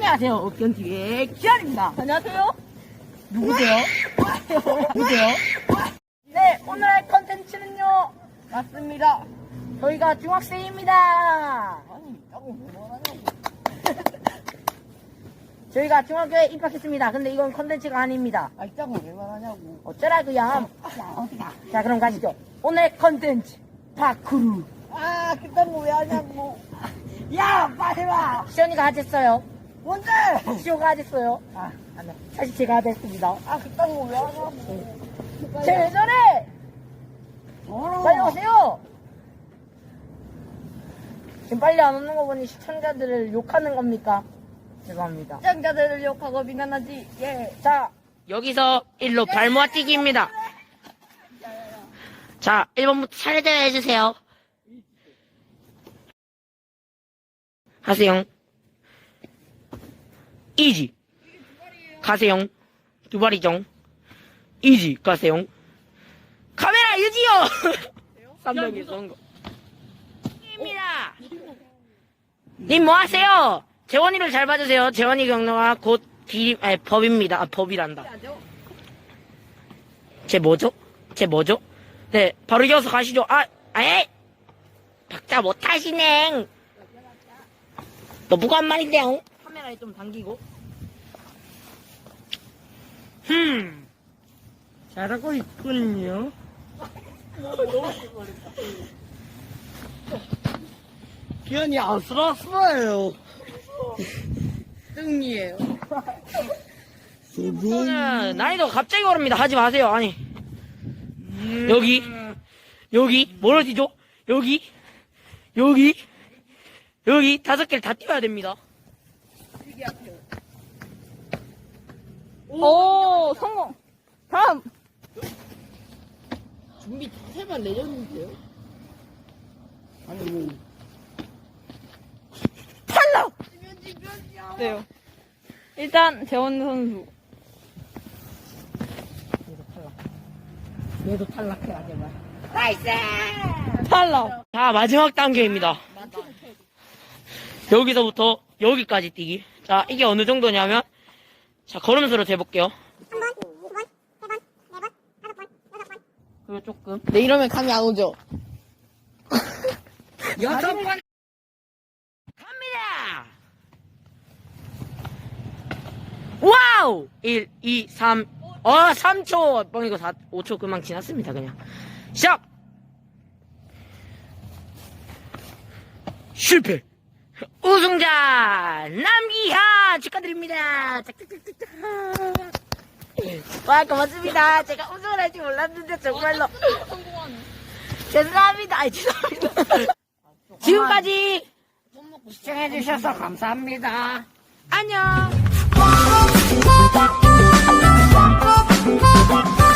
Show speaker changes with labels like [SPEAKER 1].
[SPEAKER 1] 안녕하세요. 견티의 기현입니다.
[SPEAKER 2] 안녕하세요.
[SPEAKER 1] 누구세요? 누구세요? 네, 오늘 할 컨텐츠는요.
[SPEAKER 2] 맞습니다.
[SPEAKER 1] 저희가 중학생입니다.
[SPEAKER 2] 아니, 자꾸 뭐 하냐고.
[SPEAKER 1] 저희가 중학교에 입학했습니다. 근데 이건 컨텐츠가 아닙니다.
[SPEAKER 2] 아이, 자꾸 왜 말하냐고.
[SPEAKER 1] 어쩌라고요?
[SPEAKER 2] 야, 어디가?
[SPEAKER 1] 자, 그럼 가시죠. 오늘 컨텐츠 파크루.
[SPEAKER 2] 아, 그딴 거 왜 하냐고. 야, 빨리 와.
[SPEAKER 1] 시연이가 하셨어요.
[SPEAKER 2] 뭔데?
[SPEAKER 1] 시호가 하셨어요.
[SPEAKER 2] 아, 안 해.
[SPEAKER 1] 사실 제가 하셨습니다.
[SPEAKER 2] 아, 그딴 거 왜 하냐고.
[SPEAKER 1] 제 예전에 빨리
[SPEAKER 2] 와.
[SPEAKER 1] 오세요. 지금 빨리 안 오는 거 보니 시청자들을 욕하는 겁니까? 죄송합니다.
[SPEAKER 2] 시청자들을 욕하고 비난하지. 예.
[SPEAKER 1] 자, 여기서 1로 발모아뛰기입니다. 자, 1번부터 차례대로 해주세요. 하세요. 이지. 가세요. 두 발이죠. 이지. 가세요. 카메라 유지요! 3명이 쏜 거. 입니다. 님 뭐 하세요? 재원이를 잘 봐주세요. 재원이 경로가 곧 법입니다. 아, 법이란다. 쟤 뭐죠? 네, 바로 이어서 가시죠. 에이! 박자 못하시네. 너 누가 한 말인데요? 카메라에 좀 당기고. 잘하고 있군요.
[SPEAKER 2] 기현이 안쓰러웠어요. 뜬이에요.
[SPEAKER 1] 저는 난이도 갑자기 오릅니다. 하지 마세요. 아니. 여기, 뭐를 뛰죠? 여기, 5개를 다 뛰어야 됩니다.
[SPEAKER 2] 오, 성공. 다음.
[SPEAKER 1] 준비 세번 내줬는데요?
[SPEAKER 2] 아니, 뭐.
[SPEAKER 1] 탈락!
[SPEAKER 2] 네요. 일단, 재원 선수.
[SPEAKER 1] 얘도 탈락해야 제발. 나이스!
[SPEAKER 2] 탈락.
[SPEAKER 1] 자, 마지막 단계입니다. 여기서부터 여기까지 뛰기. 자, 이게 어느 정도냐면, 자, 걸음수로 재볼게요. 그리고 조금.
[SPEAKER 2] 네, 이러면 감이 안 오죠?
[SPEAKER 1] 6번! 갑니다! 와우! 1, 2, 3. 3초! 뻥이고 5초 금방 지났습니다, 그냥. 시작! 실패! 우승자! 남기하! 축하드립니다! 짝짝짝짝짝! 와, 고맙습니다. 제가 우승을 할 줄 몰랐는데, 정말로. 죄송합니다. 아이, 죄송합니다. 지금까지 시청해주셔서 감사합니다. 안녕!